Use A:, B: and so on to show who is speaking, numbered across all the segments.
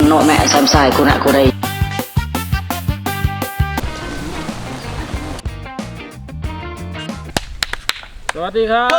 A: nọ mẹ xem xài cô nạ cô đây
B: สวัสดีครับ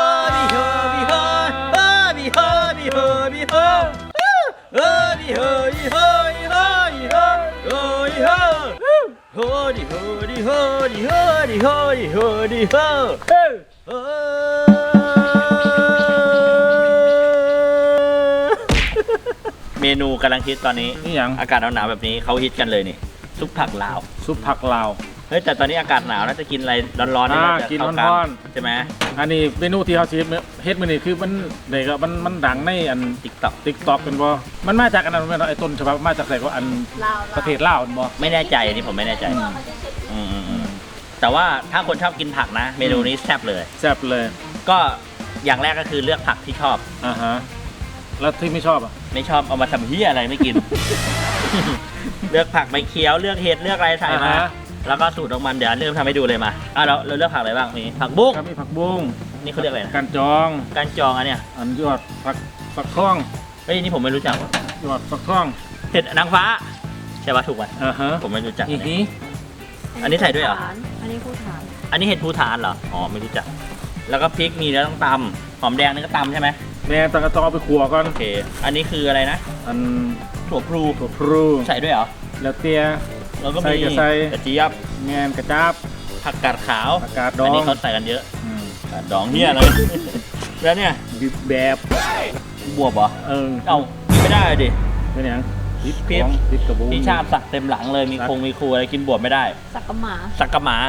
C: เมนูกำลังฮิตตอนนี้
B: นี่อย่าง
C: อากาศหนาวๆแบบนี้เขาฮิตกันเลยนี่ซุปผักลาว
B: ซุปผักลาว
C: เฮ้ยแต่ตอนนี้อากาศหนาวน่าจะกินอะไรร้อนๆ
B: กินร้อนๆ
C: ใช่ไหม
B: อันนี้เมนูที่เขาเฮ็ดมื้อนี้คือมันเด็กมันดังในอัน TikTok เป็นบ่มันมาจากอันนั้นไอ้ต้นฉบับมาจากไหนก็อันประเทศลาวบ่
C: ไม่แน่ใจอันนี้ผมไม่แน่ใจแต่ว่าถ้าคนชอบกินผักนะ เมนูนี้แซ่บเลย
B: แซ่บเลย
C: ก็อย่างแรกก็คือเลือกผักที่ชอบ
B: ฮะแล้วที่ไม่ชอบอ่ะ
C: ไม่ชอบเอามาทำเหี้ยอะไรไม่กิน เลือกผักใบเขียวเลือกเห็ดเลือกอะไรใส่มาแล้วก็สูตรของมันเดี๋ยวเริ่มทำให้ดูเลยมาเราเลือกผักอะไรบ้างมีผักบุ้ง
B: ครับมีผักบุ้ง
C: นี่เขาเรียกอะไรนะ
B: การจอง
C: การจองอันเนี้ย
B: อันยอดฟักทอง
C: เฮ้ยนี่ผมไม่รู้จักว่ะ
B: ยอดฟักทอง
C: เห็ดนางฟ้าใช่ปะถูกป่ะ
B: ฮะ
C: ผมไม่รู้จัก
B: อี
C: อัน
B: ฮี
C: นี้ อันนี้ใส่ด้วยเหรอ
D: อันนี้ผู้ฐาน
C: อันนี้เห็ดภูฐานเหรออ๋อไม่รู้จักแล้วก็พริกมีแล้วต้องตำหอมแดงนี่ก็ตำใช่ไหม
B: แม่ต้องเอาไปขัวก่อน
C: โอเคอันนี้คืออะไรนะ
B: อัน
C: ถั่วพลู
B: ถั่วพลู
C: ใส่ด้วยเหรอ
B: แล้วเตี้ย
C: แล้วก็
B: ใส่
C: มี
B: ก็ใส่
C: กระเจี๊ยบ
B: แมนกระจับ
C: ผักกาดขาว
B: อากาศดอ
C: อัน
B: ง
C: นี้เขาใส่กันเยอะ
B: อืม
C: ดองเนี่ยเลย แล้วเนี่ย
B: บิบแบบ
C: บวบเหรอ
B: เอา
C: กินไม่ได้ดิ
B: เป็นยังพริก
C: พริก
B: พริกกระบุง
C: พี่ชาติสักเต็มหลังเลยมีคงมีครูอะไรกินบวบไม่ได้
D: สักกะหมา
C: สักกะหมา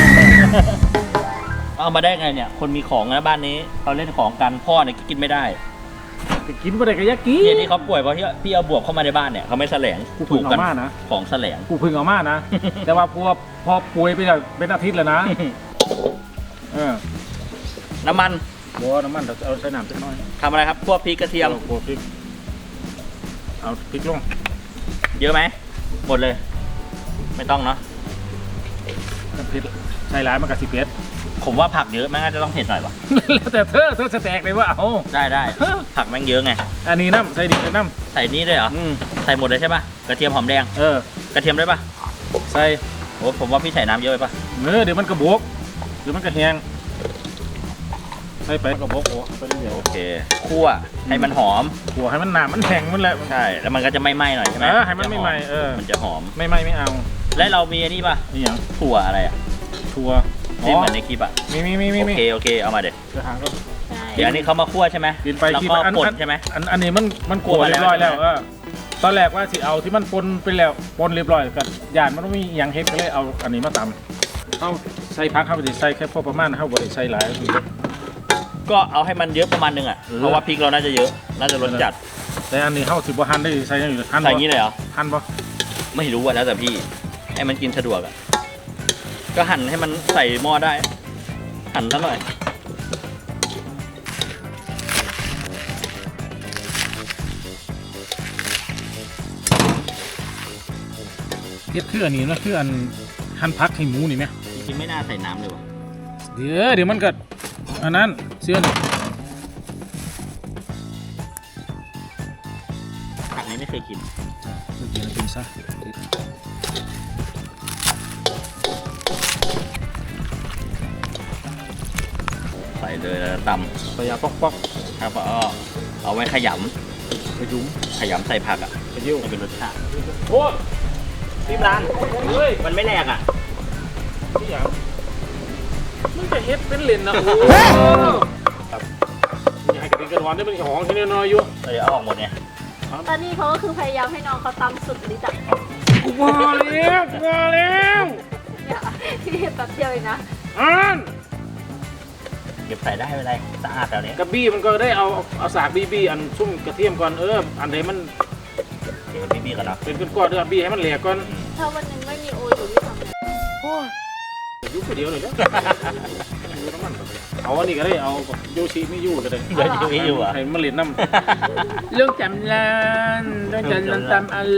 C: เอามาได้ไงเนี่ย คนมีของนะบ้านนี้เขาเล่นของกันพ่อเนี่ยกินไม่ได้
B: ไปกินบ่ได้ก็อยากกิน
C: เนี่ยที่เขาป่วยเพราะที่พี่เอาบวบเข้ามาในบ้านเนี่ยเขาไม่แสลง
B: กูพึ่งเอามานะ
C: ของแสลง
B: กูพึ่งเอามานะ แต่ว่าพอป่วยไปแล้วเป็นอาทิตย์แล้วนะ
C: น้ำมัน
B: บัวน้ำมันเราเอาใส่น้ำสักหน่อย
C: ทำอะไรครับพวกพริกกระเทียม
B: โขลกพริกเอาพริกลง
C: เยอะไหมหมดเลย ไม่ต้องเนาะ
B: พริกใส่หลายมันกับสิเผ็ด
C: ผมว่าผักเยอะแม่งน่าจะต้องเผ็ดหน่อยวะ
B: แล้วแต่เธอสแต็กเลยว่าเอา
C: ได้ผักแม่งเยอะไง
B: อันนี้น้ำใส่ดิบน้
C: ใส่นี่ด้วยเหรอ ใส่หมดเลยใช่ป่ะกระเทียมหอมแดง กระเทียมได้ป่ะ
B: ใส่
C: โอ้ผมว่าพี่ใส่น้ำเยอะไปป่ะ
B: เดี๋ยวมันกระบกเดี๋ยวมันกระแหงใส่ไปกระบกโอ้ไปเรื่อย
C: โอเคคั่วให้มันหอม
B: หัวให้มันหนามันแข็งมันแหละ
C: ใช่แล้วมันก็จะไม่ไหม้หน่อยใช่ไหม
B: ให้มันไม่ไหม้
C: มันจะหอม
B: ไม่ไหม้ไม่เอา
C: และเรามีอันนี้ป่ะ
B: นี่อย่าง
C: ถั่วอะไรอ่ะ
B: ถั่ว
C: ที่เหมือนในคลิปอ่ะ
B: มี
C: โอเคเอามาเด็ด
B: เดี๋ยวหางก็
D: ใช่
C: เดี๋ยวอันนี้เขามาคั่วใช่ไหม
B: กินไป
C: แล้ว
B: กิน
C: ก็
B: ไป
C: ป่นใช่ไหม
B: อันนี้มันกลัวเรียบร้อยแล้วตอนแรกว่าสิเอาที่มันปนไปแล้วปนเรียบร้อยกันย่านมันต้องมีอย่างเฮ็ดก็เลยเอาอันนี้มาตำเอาใส่พักเข้าไปใส่แค่พอประมาณเข้าไปใส่หลาย
C: ก็เอาให้มันเยอะประมาณนึงอ่ะเพราะว่าพริกเราน่าจะเยอะน่าจะรสจัด
B: แต่อันนี้เข้าสิบหั่นได้ใส่ยังอยู่หั่น
C: ใส่อย่างนี้เลยเหรอ
B: หั่นปะ
C: ไม่รู้อ่ะแล้วแต่พี่ให้มันกินสะดวกอ่ะก็หั่นให้มันใส่หม้อได้ หั่นซะหน่อย
B: เฮ็ดคืออันนี้นะคืออันหั่นพักให้หมูนี่ไหม
C: จริงๆไม่น่าใส่น้ำเลยว่ะ
B: เดี๋ยวมันก็อันนั้นเสื้อนี่
C: ผักนี้ไม่เคยกิน
B: เดี๋ยวกินซะ
C: ใส่เลยแล้วตำ
B: ปยาป๊อก
C: ครับเอาไว้ขย
B: ไปยุ้ม
C: ำขยำใส่ผักอ่ะ
B: ไปยิ้ว
C: ให้เป็นรสชาติ
B: โอ้
C: พี่ร้าน
B: เฮ้ย
C: มันไม่แหลกอ่ะ
B: นี่อย่างมึงจะเฮ็ดเป็นเลนนะโอ้ครับนี่ให้กระดิ่งกระดอนได้เป็นของที่น้อยๆอยู่
C: เดี๋ยวเอาออกหมดเนี่ย
D: ตอนนี้เขาก็คือพยายามให้น้องเขาตำสุดฤทธิ์อะ
B: กูมาแล้ว
D: เนี่ยที่แป๊บเดียวเองนะ
C: เก็บใส่ได้ไม่เป็นไรสะอาดแล้วเนี้ย
B: กระบี้มันก็ได้เอาสากบี้อันชุ่มกระเทียมก่อนอันไหนมัน
C: เก็บพี่ๆกันเนาะ
B: เป็นก้อนๆบี้ให้มันแหลกก่อน
D: ถ้าวันหนึงไม่มีโออยู่ที่ทำไง
B: ยุบไปเดียวเลยนะเอาอันนี้ก็ได้เอาโยชิไม่ยู่ก็ได้
C: เดี๋ยวจะมีอยู่อ่ะ
B: ให้มันเหรียญน้ำเรื่องจำลันตามอะไร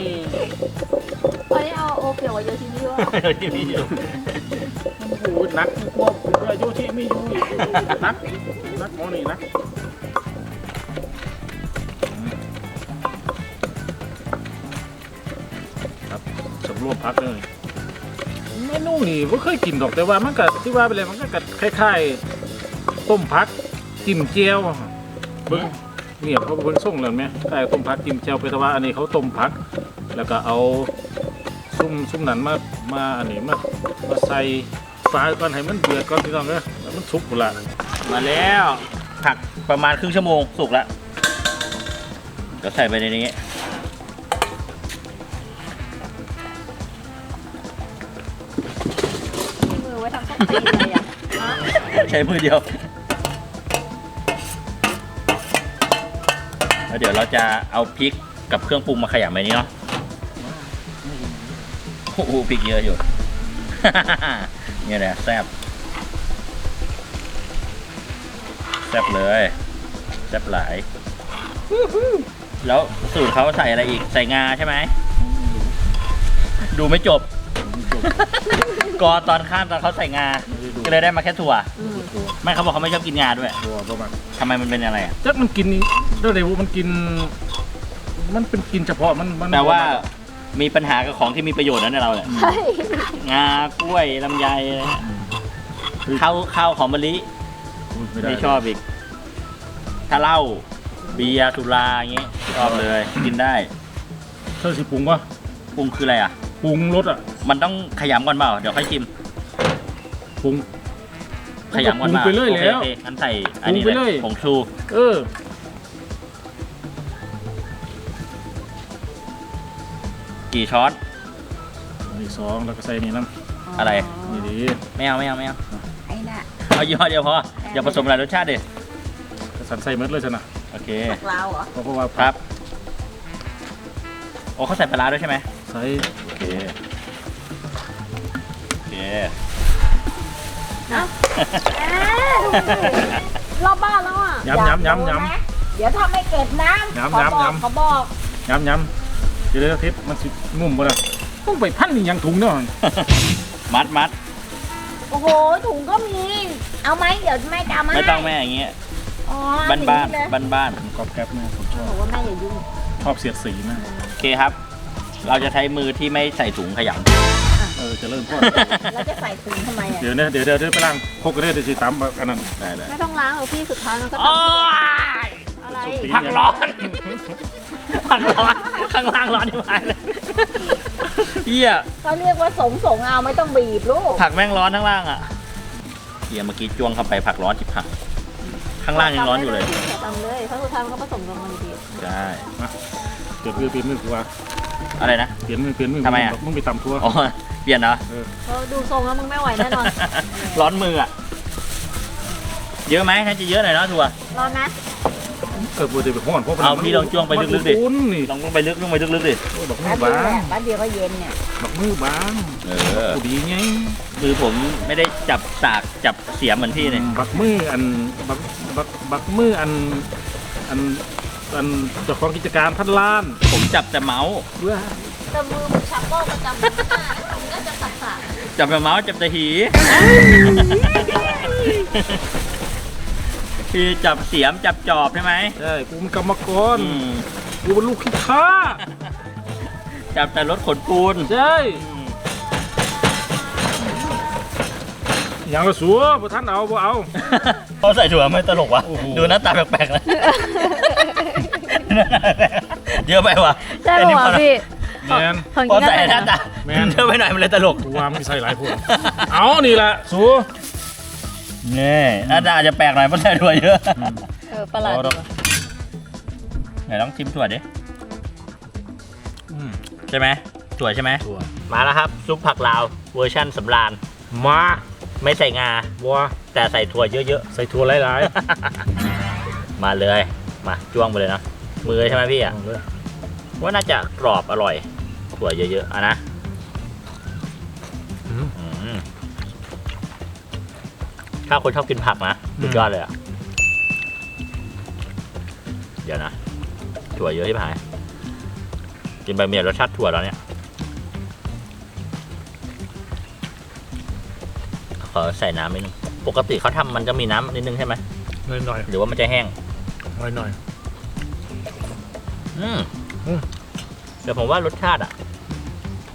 D: อันนี้เอาโอเกี่ยวกับโยชิมิวะ
C: เดี๋ยวจะมีอยู่
B: โอ้โหนักพวกโยชิไม่ยู่นักหมอนี่นักรวมพักเลยเมนูนี่ไม่เคยกินดอกแต่ว่ามันก็ที่ว่าไปเลยมันก็คล้ายๆต้มพักจิ้มเจียวเบิ้งเนี่ยเขาเป็นส่งเลยไหมใช่ต้มพักจิ้มเจียวไปแต่ว่าอันนี้เขาต้มพักแล้วก็เอาซุ่มนั้นมาอันนี้มาใส่ฟ้าก่อนให้มันเดือดก่อนพี่น้องเนอะแล้วมันสุกหมดละ
C: มาแล้วผักประมาณครึ่งชั่วโมงสุกแล้วก็ใส่ไปในนี้
D: มือไว้ทำส้มตีนเลยอ่ะ
C: ใช้มือเดียวแล้วเดี๋ยวเราจะเอาพริกกับเครื่องปรุงมาขยำในนี้เนาะโอ้โหพริกเยอะอยู่ เนี่ยแหละแซ่บเลยแซ่บหลายแล้วสูตรเขาใส่อะไรอีกใส่งาใช่ไหมดูไม่จบ กอตอนข้ามตอนเขาใส่งาก็เลยได้มาแค่ถั่วไม่เขาบอกเขาไม่ชอบกินงาด้วย
B: ตัวประมาณ
C: ทำไมมันเป็นอะไรอ่ะ
B: จักมันกินเดี๋ยวมันกินมันเป็นกินเฉพาะมัน
C: แต่ว่ามีปัญหากับของที่มีประโยชน์นั่นเราเนี่ย
D: ใช่
C: งากล้วยลำไยอะไรเงี้ยข้าวหอมมะลิไม่ชอบอีก ถ้าเหล้าเบียร์สุราอย่างเงี้ยชอบเลยกินได้
B: เธอสิปรุงวะ
C: ปรุงคืออะไรอ่ะ
B: ปรุงรสอ่ะ
C: มันต้องขยำก่อนเปล่าเดี๋ยวค่อยชิม
B: ปรุง
C: ขยำก่อน
B: ปรุง
C: เปล่า
B: ไปเรื่อยแล้ว
C: โอเคงั้นใส่อันนี้
B: ปรุงไป
C: เล
B: เรื่อย
C: ยผงชู
B: อ
C: กี่ช้อน
B: อีก2แล้วก็ใส่นี่น้
C: อะไร
B: ำนี่ดี
C: ไม่เอา
D: ไอ้น่ะ
C: เอายี่ห้อเดียวพออย่าผสมหลายรสชาติดิ
B: กระสันใส่เม็ดเลยสินะ
C: โอเค
D: ผักลาวเหรอ
B: เพราะว่า
C: ครับโอ้เขาใส่ปลาร้าด้วยใช่ไหม
B: ใส่
C: โอเคโอเค
D: เอ้าเอ๊ะรอบบ้านแล้วอ่ะ
B: ย้ำ
D: เดี๋ยวถ้าไม่เก็บน้ำ
B: ย้ำ
D: เขาบอก
B: ย้ำเดี๋ยวทิพย์มันสิงุ่มบ่ล่ะต้องไปพันนี่ยังถุงเนาะ
C: มัด
D: โอ้โหถุงก็มี เอาไหมเดี๋ยวแม่จะเอามา
C: ไม่ต้องแม่อย่างเงี้ย
D: อ๋อ
C: บ้านบ้าน
D: เลย
C: บ้าน
B: กรอบแกรบแม่ผมชอบ
D: บอกว่าแม่อย่ายุ่ง
B: ชอบเสียดสีมาก
C: โอเคครับ เราจะใช้มือที่ไม่ใส่ถุงขย
B: จะเริ่มพ่อ
D: แล้วจะใส่ถุงทำไมอ่ะ
B: เดี๋ยวไปล้างพกกันได้เดี๋ยวสิตามอันนั้นได้
D: ไม่ต้องล้างหรอกพี่สุดท้ายมันก็
C: ำ
D: ต้
C: โอ้
D: อง
C: ย
D: อะไร
C: ผักร้อนผักร้อนข้างล่างร้อนที่ไหนเลยเฮีย
D: เขาเรียกว่าสงเอาไม่ต้องบีบลูก
C: ผักแม่งร้อนข้างล่างอ่ะเฮียเมื่อกี้จ้วงเข้าไปผักร้อนจิบผักข้างล่างยังร้อนอยู่เลย
D: ทำเลยเพราะสุดท้ายมันก็ผสมกันมันดี
C: ใช่
B: เปลี่ยนมือกูว่า
C: อะไรนะ
B: เปลี่ยนมือ
C: ทำไมอะ
B: มึงไปตำทั่ว
C: อ๋อเปลี่ยนเหรอ
D: เขาดูทรงแล้วมึงไม่ไหวแน่นอน
C: ร้อนมืออ่ะเยอะไหมถ้าจะเยอะหน่อยเนาะถั่ว
D: ร้อนนะ
B: บัวเดี๋ยวไปห้อนเพราะ
C: เอาพี่ลองจ้วงไปลึกๆดิ
B: อุ่นนี่
C: ลงไปลึกดิ
B: ดอกมื
D: แป๊
B: อบ
D: เดียว
B: บาง
D: แหละแป๊บเดียวก็เย็นเนี่ย
B: ดอกมือบาง กูดีไง
C: มือผมไม่ได้จับสากจับเสียมเหมือนพี่เนี่ย
B: บักมืออันบักมืออันเจ้าของกิจการพันล้าน
C: ผมจับแต่เมาส์
B: เว้ย
D: แต่มือมึงชักโลกประจำมันก็จะสับ
C: จับแต่เมาส์จับแต่หีพี่จับเสียมจับจอบใช่ไหม
B: ใช่กูเป็นกรรมกร
C: อืม
B: กูเป็นลูกขี้ข้า
C: จับแต่รถขนปูน
B: ใช่อย่างละสัวบ่ท่านเอาบ่เอา
C: เขาใส่ถั่วไม่ตลกวะ
B: โอ้โห
C: ดูหน้าตาแปลกๆนะเยอะไปวะ
D: ใช่ป่ะพี่
B: แมน
D: ของ
C: พอ
D: กิน
C: ใส่
D: ก็
C: หน้าตา
B: แม่น
C: เยอะไปหน่อยมันเลยตลก
B: กูว่ามันใส่หลายพวกเอานี่แหละสัว
C: นี่หน้าตาอาจจะแปลกหน่อยเพราะใส่ถั่วเยอะ
D: ประหลาด
B: เอาดอก
C: ไหนลองชิมถั่วดิ
B: อืม
C: ใช่ไหมถั่วใช่ไหม
B: สัว
C: มาแล้วครับซุปผักลาวเวอร์ชั่นสำราญ
B: มา
C: ไม่ใส่งา
B: บัว
C: แต่ใส่ถั่วเยอะ
B: ใส่ถั่วหลาย
C: ๆ มาเลยมาจ้วงไปเลยนะมือใช่ไหมพี่
B: ๆ
C: อ่ะ
B: เอาเลย
C: ว่าน่าจะกรอบอร่อยถั่วเยอะๆอ่ะนะ
B: อืม
C: อืมถ้าคนชอบกินผักนะสุดยอดเลยอ่ะเดี๋ยวนะถั่วเยอะที่ผายกินไปเมียรสชาติถั่วแล้วเนี่ยขอใส่น้ำนิดนึงปกติเขาทำมันจะมีน้ำนิดนึงใช่ไหม
B: หน่อย
C: หรือว่ามันจะแห้ง
B: ๆหน่อย
C: อืม
B: อืม
C: เดี๋ยวผมว่ารสชาติอ่ะ โอ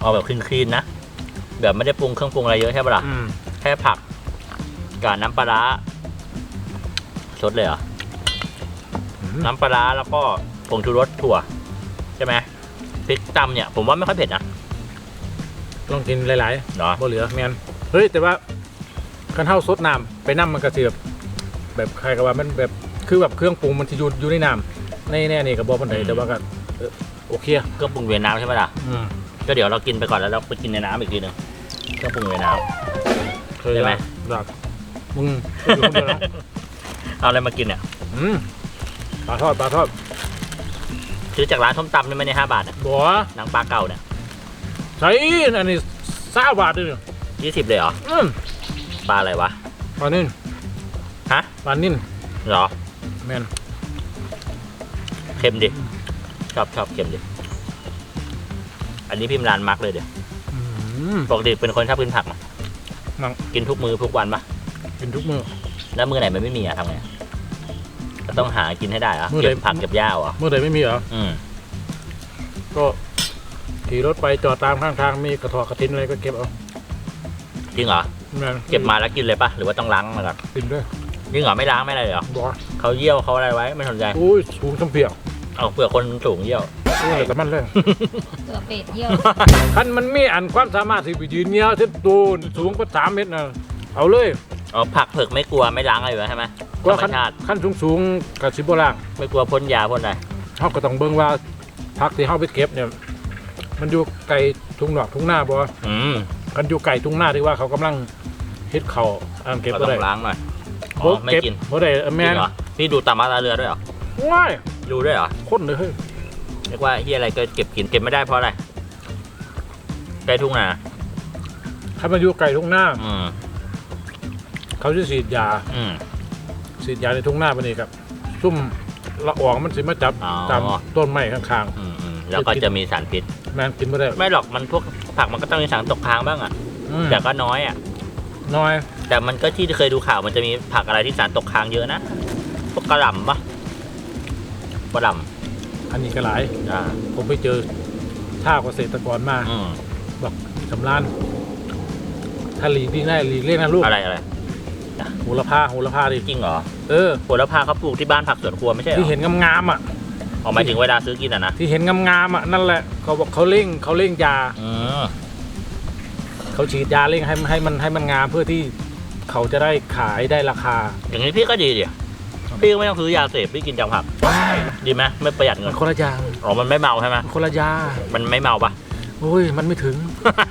C: เอาแบบคลีนๆนะแบบไม่ได้ปรุงเครื่องปรุงอะไรเยอะใช่ปะล่ะ แค่ผักกับน้ำปลาร้าสดเลยเหรอ น้ำปลาร้าแล้วก็ผงชูรสถั่วใช่ไหมพริกตำเนี่ยผมว่าไม่ค่อยเผ็ดนะ
B: ลองกินหลาย
C: เนาะ
B: ๆบ่เหลือแมนเฮ้ยแต่ว่าคันเท่าซดน้ำไปน้ำมันก็สิแบบใครก็ว่ามันแบบคือแบบเครื่องปรุงมันจะอยู่ในน้ำในแน่นี่กับบอปันไดแต่ว่าก็โอเค
C: เครื่องปรุงเวียดนามใช่ไหมล่ะก็เดี๋ยวเรากินไปก่อนแล้วเราไปกินในน้ำอีกทีหนึงเครื่องปรุงเวียดนาม
B: เคย
C: ใช่ไหม
B: แบบมึงอยู่คนเดียวนะ
C: เอาอะไรมากินเนี่ย
B: ปลาทอด
C: ซื้อจากร้านส้มตำนี่ไม่ได้5 บาทอ่ะ
B: บัว
C: หนังปลาเก่าเนี่ย
B: ใช่อันนี้20 บาทเลยเนี่ย
C: 20เลยเหรอปลาอะไรวะ
B: ปลานิ่น
C: ฮะ
B: ปลานิ่น
C: เหรอ
B: แมน
C: เค็มดิชอบเค็มดิอันนี้พิมพ์ร้านมาร์กเลยเดี๋ยวปกติเป็นคนชอบกินผักไหม
B: นั่ง
C: กินทุกมื้อทุกวันปะ
B: กินทุกมื้อ
C: แล้วมื้อไหนมันไม่มีอะทำไงก็ต้องหากินให้ได้เหรอ
B: มื้อไหน
C: เก็บผักเก็บหญ้าเหรอ
B: เมื่อใดไม่มีเหรอ ก็ขี่รถไปจอดตามข้างทางมีกระถอกระทินอะไรก็เก็บเอา
C: จริงเหรอ
B: แม่น
C: เก็บมาแล้วกินเลยปะหรือว่าต้องล้างมาก่อน
B: กินด้วย
C: จริงเหรอไม่ล้างไม่อะไรเหรอ
B: บัว
C: เขาเยี่ยวเขาอะไรไว้ไม่สนใจ
B: อุ้ยสูงสมเปียก
C: เอาเปลือกคนสูงเยี่ยว
B: อุ้ยแต่มันเลย
D: เกลือเป็ดเยี่ยว
B: คันมันมีอันความสามารถที่ไปยืนเงี้ยวเส้นตูนสูงกว่า3 เมตรนะเอาเลย
C: อ๋อผักเผือกไม่กลัวไม่ล้างอะไรอยู่แล้วใช่ไหมธรรม
B: ขั้น
C: ชาติ
B: ขั้นสูงกับสิบโบราณ
C: ไม่กลัวพ่นยาพ่นอะไร
B: เขาก็ต้องเบิ่งว่าผักที่เขาไปเก็บเนี่ยมันอยู่ไกลทุ่งนอกทุ่งหน้าบ่ กันอยู่ไกลทุ่งหน้าที่ว่าเขากำลังเฮ็ดเขาอันเก็บ
C: เรา
B: บ่
C: ต้
B: ได้
C: องล้างหน่อยอ๋อไม่
B: เก็บ
C: กิน
B: บ่ได้
C: จ
B: แม่
C: ริ
B: น
C: งเหรอพี่ดูตามมาตาเรือด้วยเหรอ
B: ว้าย
C: ดูด้วยเหรอ
B: คนเลยเฮ้ย
C: เรียกว่าเฮียอะไรก็เก็บกินเก็บไม่ได้เพราะอะไรใกล้ทุ่งนา
B: ถ้ามันอยู่ไกลทุ่งหน้า
C: อืม
B: เขาจะฉีดยา
C: อืม
B: ฉีดยาในทุ่งหน้าปะนี่ครับซุ่มละอองมันสิมาจับ
C: อ๋อ
B: ตามต้นไม้ข้าง
C: แล้วก็จะมีสารพิษ
B: ๆแม่นกินบ่ได้
C: ไม่หรอกมันพวกผักมันก็ต้องมีสารตกค้างบ้างอ่ะ แต่ก็น้อยอ่ะ
B: น้อย
C: แต่มันก็ที่เคยดูข่าวมันจะมีผักอะไรที่สารตกค้างเยอะนะพวกกระหล่ำปะกระหล่
B: อันนี้ก็หลาย
C: ำ
B: ผมไปเจอท่าเกษตรกรมา
C: อืม
B: บอกสำรานถ้าหลีกดีได้หลีกเลี่ยงนะลูก
C: อะไร
B: โหระพาดิ
C: จริงเหรอ
B: เออ
C: โหระพาเขาปลูกที่บ้านผักสวนครัวไม่ใช่เหรอ
B: ที่เห็นงามๆอ่ะ
C: ออกหมายถึงเวลาซื้อกินอ่ะนะ
B: ที่เห็นงามๆอ่ะนั่นแหละเขาบอกเขาเร่งยา
C: อืม
B: เขาฉีดยาเร่งให้มันงามเพื่อที่เขาจะได้ขายได้ราคา
C: อย่างนี้พี่ก็ดีดิพี่ก็ไม่ต้องซื้อยาเสพพี่กินจากผักดีไหมไม่ประหยัดเงิ
B: มัน นคนละยาง
C: อ๋อมันไม่เมาใช่ไหม
B: มันคนละยา
C: มันไม่เมาปะ
B: โอ้ยมันไม่ถึง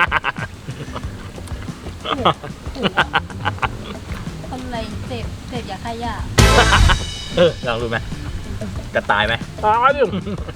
D: คนอะไรเสพยาฆ่าหญ้า
C: ลองดูไหมจะตายไหม
B: ตายดิ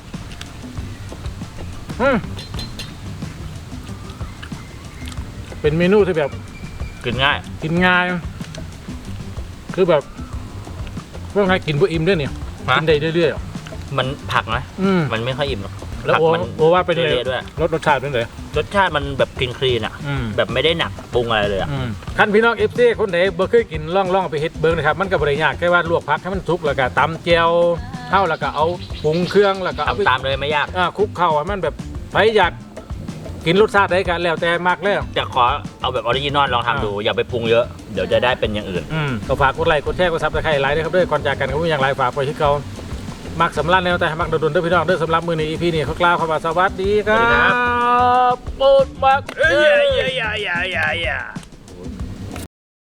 B: เป็นเมนูที่แบบ
C: กินง่าย
B: กินง่าย คือแบบว่าไงกินบ่อิ่มด้วยเนี่ย
C: ฮะ
B: กินได้เรื่อยๆอ่ะ
C: มันผักนะ
B: อืม
C: มันไม่ค่อยอิ่มหรอก
B: แล้ว
C: ผัก
B: โอ้
C: มัน
B: โอ้ว่าเป็นเลย
C: เละๆด้วย
B: รสชาติเป็นเลย
C: รสชาติมันแบบคลีนๆอ่ะ แบบไม่ได้หนักปรุงอะไรเลยอ่ะ
B: ท่านพี่น้อง FC คนไหนบ่เคยกินล่องไปเฮ็ดเบิ่งนะครับมันก็บ่ได้ยากแค่ว่าลวกผักให้มันสุกแล้วก็ตำแจ่วเฮาแล้วก็เอาปรุงเครื่องแล้วก็เอาไป
C: ทำตามเลยไม่ยาก
B: คลุกเข้าให้มันแบบไผอยากกินรสชาติใดก็แล้วแต่มักแล้ว
C: จะขอเอาแบบออริจินอลลองทำดูอย่าไปปรุงเยอะเดี๋ยวจะได้เป็นอย่างอื่น
B: ก็ฝากกดไลค์กดแชร์กดซับสไครต์ไลค์ด้วยครับด้วยก่อนจากกันก็มีอย่างไรฝากไปที่เขามักสำลักแนวแต่มักโดนๆด้วยพี่น้องด้วยสำหรับมือใน EP นี้เขากล่าวคำว่าสวัสดีครั
C: สวัสดีครับ
B: บโปรดมัก
C: อย่า